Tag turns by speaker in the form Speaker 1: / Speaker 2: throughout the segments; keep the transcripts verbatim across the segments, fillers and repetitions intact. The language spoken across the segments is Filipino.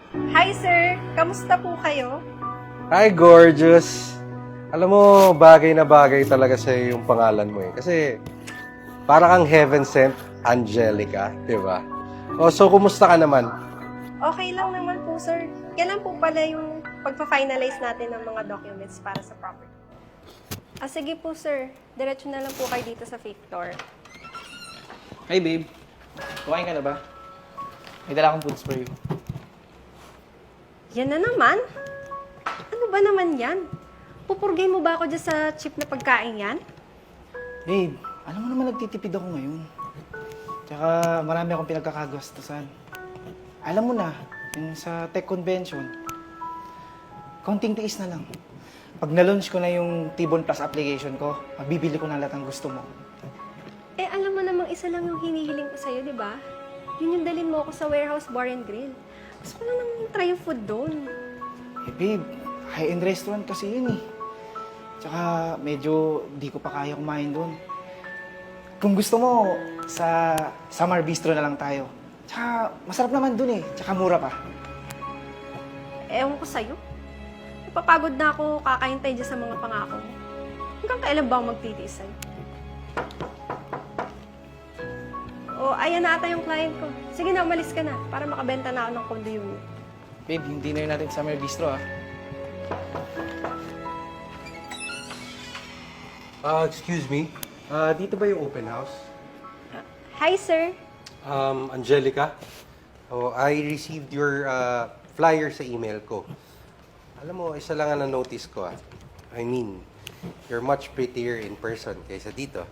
Speaker 1: Hi, sir. Kamusta po kayo?
Speaker 2: Hi, gorgeous! Alam mo, bagay na bagay talaga sa yung pangalan mo eh. Kasi, para kang heaven sent, Angelica, di ba? O, so, kumusta ka naman?
Speaker 1: Okay lang naman po, sir. Kailan po pala yung pagpa-finalize natin ng mga documents para sa property? Ah, sige po, sir. Diretso na lang po kayo dito sa fifth floor.
Speaker 3: Hey babe, kumain ka na ba? May dala akong foods for you.
Speaker 1: Yan na naman? Ano ba naman yan? Pupurgay mo ba ako dyan sa cheap na pagkain yan?
Speaker 3: Babe, alam mo naman nagtitipid ako ngayon. Tsaka marami akong pinagkakagastusan. Alam mo na, yung sa tech convention, konting tiis na lang. Pag na-launch ko na yung T-Bone Plus application ko, mabibili ko na lahat ng gusto mo.
Speaker 1: Eh, alam mo namang isa lang yung hinihiling ko sa'yo, di ba? Yun yung dalin mo ako sa Warehouse Bar and Grill. Gusto ko lang naman try yung food doon.
Speaker 3: Eh babe, high-end restaurant kasi yun eh. Tsaka medyo di ko pa kaya kumain doon. Kung gusto mo, sa Samar Bistro na lang tayo. Tsaka masarap naman doon eh. Tsaka mura pa.
Speaker 1: Ewan ko sa'yo. Napapagod na ako kakahintay dyan sa mga pangako mo. Hanggang kailan ba ako magtitiis sa'yo? O, ayan na ata yung client ko. Sige na, umalis ka na para makabenta na ako ng condo unit.
Speaker 3: Babe, yung dinner natin sa Samar Bistro ah.
Speaker 2: Ah, excuse me. Ah, dito ba yung open house?
Speaker 1: Hi, sir.
Speaker 2: Um, Angelica? Oh, I received your ah, flyer sa email ko. Alam mo, isa lang ang na-notice ko ah. I mean, you're much prettier in person kaysa dito.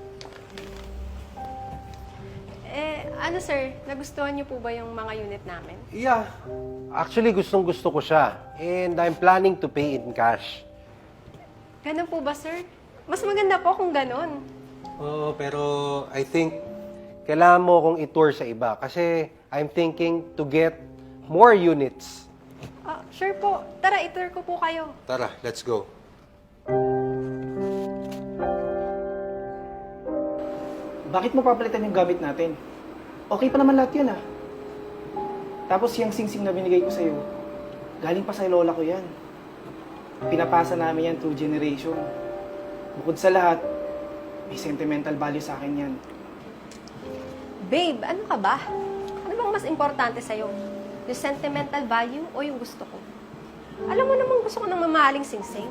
Speaker 1: Eh, ano sir, nagustuhan niyo po ba yung mga unit namin?
Speaker 2: Yeah. Actually, gustong gusto ko siya. And I'm planning to pay in cash.
Speaker 1: Ganun po ba, sir? Mas maganda po kung ganun.
Speaker 2: Oo, pero I think kailangan mo akong i-tour sa iba kasi I'm thinking to get more units.
Speaker 1: Ah, sure po. Tara, itour ko po kayo.
Speaker 2: Tara, let's go.
Speaker 3: Bakit mo papalitan yung gamit natin? Okay pa naman lahat yun ah. Tapos yung singsing na binigay ko sa'yo, galing pa sa lola ko yan. Pinapasa namin yan through generation. Bukod sa lahat, may sentimental value sa akin yan.
Speaker 1: Babe, ano ka ba? Ano bang mas importante sa'yo? Yung sentimental value o yung gusto ko? Alam mo namang gusto ko ng mamahaling singsing.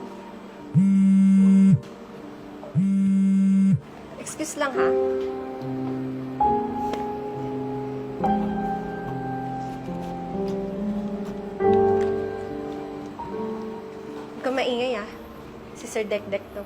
Speaker 1: Excuse lang ha. Huwag kang maingay ah. Si Sir Dekdek to.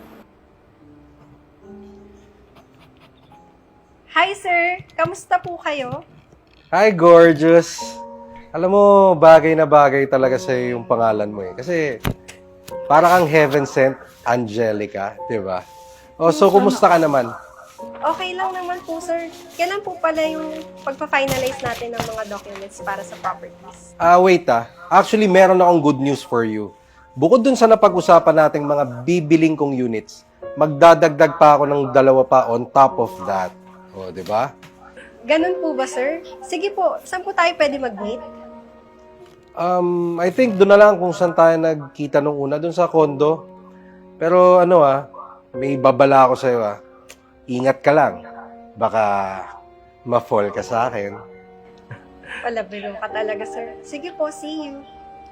Speaker 1: Hi sir! Kamusta po kayo?
Speaker 2: Hi, gorgeous! Alam mo, bagay na bagay talaga sa yung pangalan mo eh. Kasi, para kang heaven sent, Angelica, di ba? O, so, kumusta ka naman?
Speaker 1: Okay lang naman po, sir. Kailan po pala yung pagpa-finalize natin ng mga documents para sa properties?
Speaker 2: Ah, wait ah. Actually, meron akong good news for you. Bukod dun sa napag-usapan nating mga bibiling kong units, magdadagdag pa ako ng dalawa pa on top of that. O, di ba?
Speaker 1: Ganun po ba, sir? Sige po, saan po tayo pwede mag-meet?
Speaker 2: Um, I think doon na lang kung saan tayo nagkita nung una, doon sa condo. Pero ano ah, may babala ako sa'yo ah. Ingat ka lang. Baka ma-fall ka sa akin.
Speaker 1: Palabiro ka talaga, sir. Sige po, see you.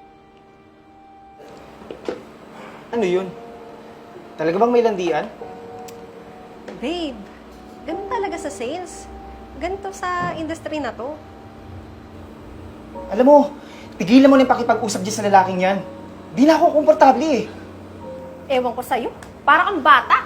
Speaker 3: Ano yun? Talaga bang may landian?
Speaker 1: Babe, ganun talaga sa sales. Ganito sa industry na to.
Speaker 3: Alam mo, tigilan mo na yung pakipag-usap dyan sa lalaking yan. Di na ako komportable eh.
Speaker 1: Ewan ko sa'yo. Para kang bata.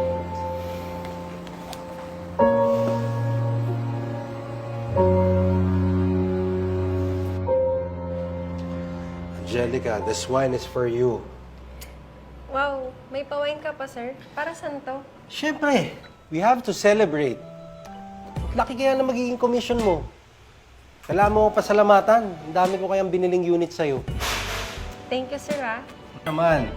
Speaker 2: Angelica, this wine is for you.
Speaker 1: Wow, may pa-wine ka pa, sir. Para saan to?
Speaker 2: Siyempre, we have to celebrate. Laki kaya na magiging commission mo. Kailangan mo ko pasalamatan. Ang dami ko kayang biniling unit sa'yo.
Speaker 1: Thank you, sir, ah.
Speaker 2: Naman.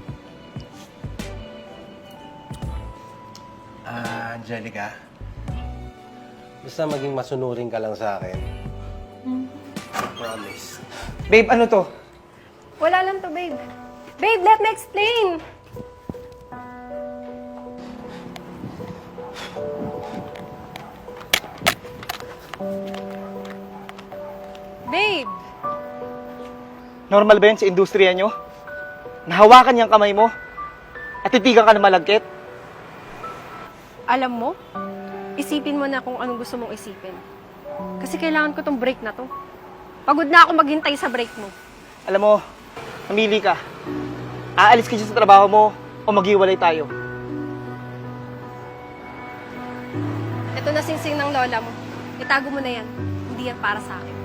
Speaker 2: Ah, Angelica. Basta maging masunurin ka lang sa akin. Promise.
Speaker 3: Babe, ano to?
Speaker 1: Wala lang to, babe. Babe, let me explain! Babe!
Speaker 3: Normal ba yan sa industriya nyo? Nahawakan niyang kamay mo? At titigan ka na malagkit?
Speaker 1: Alam mo, isipin mo na kung anong gusto mong isipin. Kasi kailangan ko tong break na to. Pagod na ako maghintay sa break mo.
Speaker 3: Alam mo, namili ka. Aalis ka dyan sa trabaho mo o maghiwalay tayo.
Speaker 1: Ito na singsing ng lola mo. Itago mo na yan. Hindi yan para sa akin.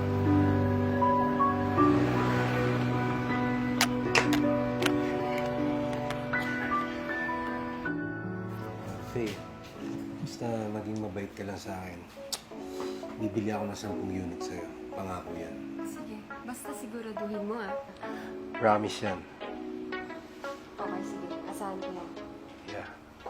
Speaker 2: Faye, basta maging mabait ka lang sa akin. Bibili ako ng sampung unit sa'yo. Pangako yan.
Speaker 1: Sige, basta siguraduhin mo ah.
Speaker 2: Promise yan.
Speaker 1: Okay, sige. Asahan ko lang.
Speaker 2: Yeah.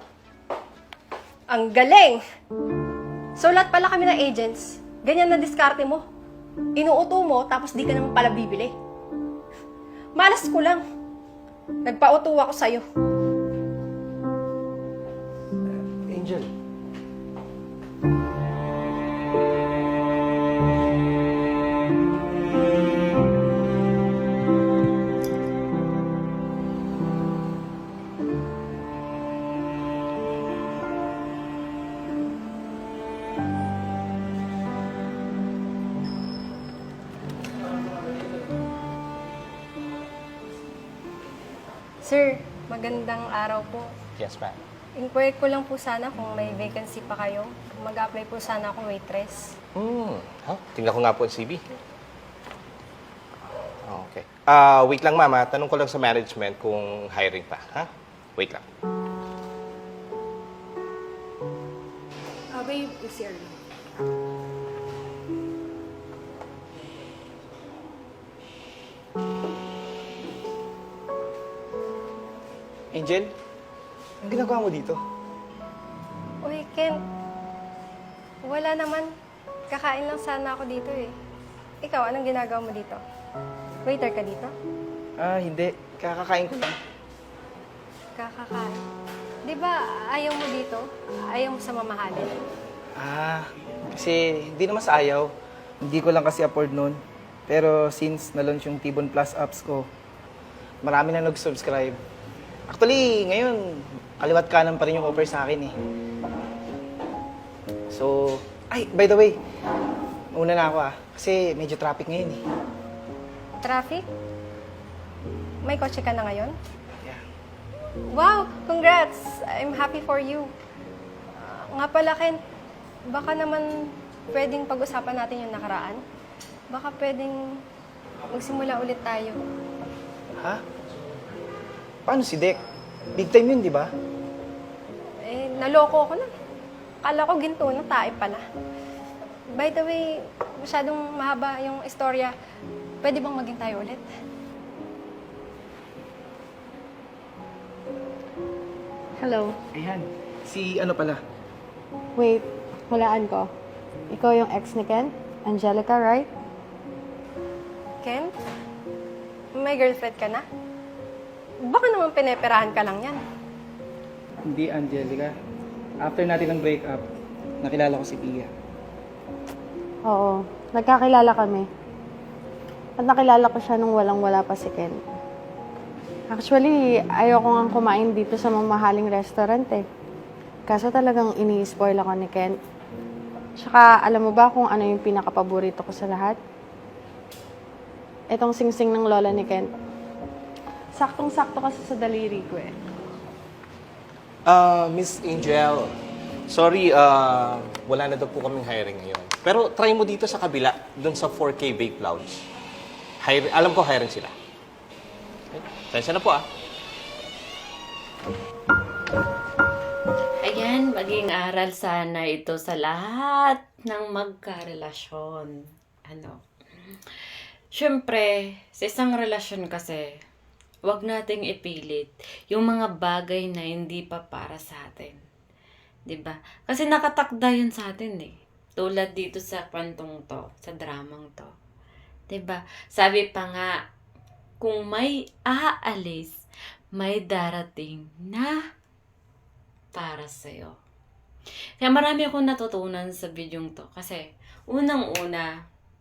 Speaker 1: Ang galing! So, lahat pala kami ng agents. Ganyan na diskarte mo. Inuuto mo, tapos di ka naman pala bibili. Malas ko lang. Nagpauto ako sa'yo.
Speaker 2: Angel.
Speaker 1: Sir, magandang araw po.
Speaker 3: Yes, ma'am.
Speaker 1: Inquire ko lang po sana kung may vacancy pa kayo. Mag-apply po sana akong waitress.
Speaker 4: Hmm. Huh? Tingnan ko nga po ang C V. Oh, okay. Ah, wait lang, mama. Tanong ko lang sa management kung hiring pa, ha? Wait lang.
Speaker 1: Ah, babe, sir.
Speaker 3: Angel, anong ginagawa mo dito?
Speaker 1: Uy, Ken. Wala naman. Kakain lang sana ako dito eh. Ikaw, anong ginagawa mo dito? Waiter ka dito?
Speaker 3: Ah, hindi. Kakakain ko lang.
Speaker 1: Kakakain. Di ba ayaw mo dito? Ayaw mo sa mamahalin?
Speaker 3: Ah, kasi hindi naman sa ayaw. Hindi ko lang kasi afford nun. Pero since na-launch yung Tibon Plus apps ko, marami na nag-subscribe. Actually, ngayon, kaliwat kanan pa rin yung offer sa akin eh. So, ay, by the way, una na ako ah. Kasi medyo traffic ngayon eh.
Speaker 1: Traffic? May kotse ka na ngayon?
Speaker 3: Yeah.
Speaker 1: Wow! Congrats! I'm happy for you. Ah, nga pala, Ken, baka naman pwedeng pag-usapan natin yung nakaraan. Baka pwedeng magsimula ulit tayo.
Speaker 3: Ha? Paano si Dek? Big time yun, di ba?
Speaker 1: Eh, naloko ko na. Akala ko ginto na, tae pala. By the way, masyadong mahaba yung istorya. Pwede bang maging tayo ulit?
Speaker 5: Hello.
Speaker 3: Ayan. Si ano pala?
Speaker 5: Wait, hulaan ko. Ikaw yung ex ni Ken? Angelica, right?
Speaker 1: Ken? May girlfriend ka na? Baka naman pineperahan ka lang yan.
Speaker 3: Hindi, Angelica. After natin ng breakup, nakilala ko si Pia.
Speaker 5: Oo, nagkakilala kami. At nakilala ko siya nung walang-wala pa si Ken. Actually, ayoko nga kumain dito sa mamahaling restaurant eh. Kaso talagang ini-spoil ako ni Ken. Tsaka, alam mo ba kung ano yung pinakapaborito ko sa lahat? Itong singsing ng lola ni Ken. Saktong-sakto kasi sa daliri ko eh.
Speaker 4: Ah, Miss Angel. Sorry, ah, wala na daw po kaming hiring ngayon. Pero try mo dito sa kabila, dun sa four K Vape Lounge. Hire, alam ko hiring sila. Okay? Tensya na po ah.
Speaker 6: Ayan, maging aral sana ito sa lahat ng magkarelasyon. Ano? Siyempre, sa isang relasyon kasi, wag nating ipilit yung mga bagay na hindi pa para sa atin. 'Di ba? Kasi nakatakda yun sa atin eh. Tulad dito sa kwentong to, sa dramang to. 'Diba? Sabi pa nga, kung may aalis, may darating na para sa'yo. Kaya marami akong natutunan sa bidyong to. Kasi, unang-una,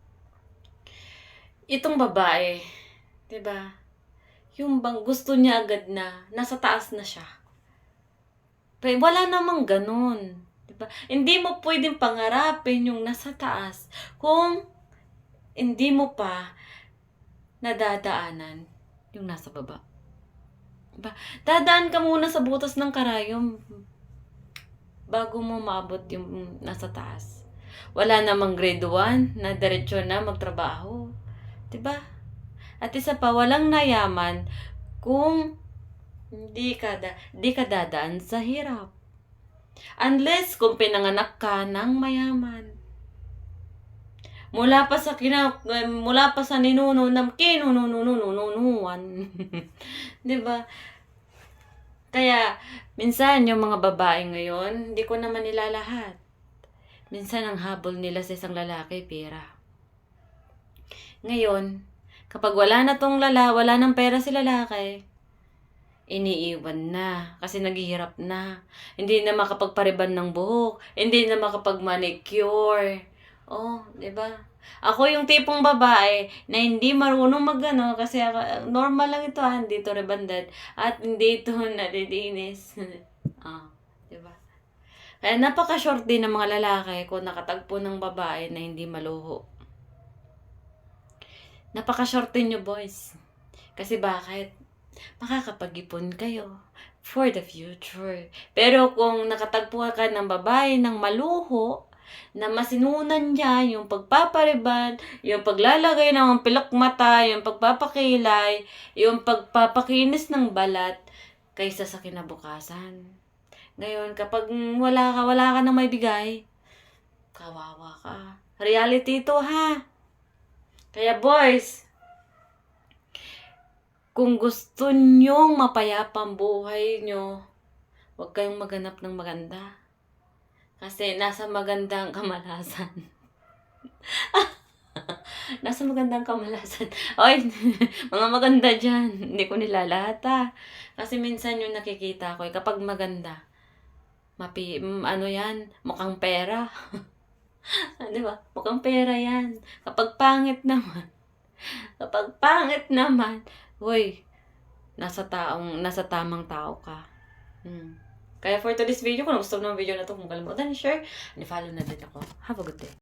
Speaker 6: itong babae, 'di ba? Yung bang gusto niya agad na nasa taas na siya. Pero wala namang ganun, 'di ba? Hindi mo pwedeng pangarapin yung nasa taas kung hindi mo pa nadadaanan yung nasa baba. 'Di ba? Dadaan ka muna sa butas ng karayom bago mo maabot yung nasa taas. Wala namang grade one na diretso na magtrabaho. 'Di ba? At isa pa, walang nayaman kung hindi ka, da, di ka dadaan sa hirap. Unless kung pinanganak ka ng mayaman. Mula pa sa kina, mula pa sa ninuno ng kinununununununuan. 'Di ba? Kaya, minsan yung mga babae ngayon, hindi ko naman nila lahat. Minsan ang habol nila sa isang lalaki, pera. Ngayon, kapag wala na tong lala, wala nang pera si lalaki, iniiwan na kasi naghihirap na. Hindi na makapagpariban ng buhok, hindi na makapag-manicure. Oh, 'di ba? Ako yung tipong babae na hindi marunong magano kasi ako, normal lang ito, ah, hindi to rebanded at hindi ito nalilinis. Ah, 'di ba? Kaya napaka-short din ng mga lalaki kung nakatagpo ng babae na hindi maluho. Napaka-shorte nyo, boys. Kasi bakit? Makakapag-ipon kayo for the future. Pero kung nakatagpo ka ng babae ng maluho, na masinunan niya yung pagpapariban, yung paglalagay ng pilak mata, yung pagpapakilay, yung pagpapakinis ng balat, kaysa sa kinabukasan. Ngayon, kapag wala ka, wala ka nang may bigay, kawawa ka. Reality ito, ha? Kaya boys, kung gusto nyong mapayapang buhay nyo, huwag kayong maghanap ng maganda. Kasi nasa magandang kamalasan. Nasa magandang kamalasan. Oy, mga maganda dyan. Hindi ko nila lahat, ha. Kasi minsan yung nakikita ko, eh, kapag maganda, mapi, mm, ano yan, mukhang pera. Di ba? Mukhang pera yan. Kapag pangit naman, kapag pangit naman, uy, nasa taong, nasa tamang tao ka. Hmm. Kaya for today's video, kung gusto mo ng video na to, kung kalimutan, share, and follow na din ako. Have a good day.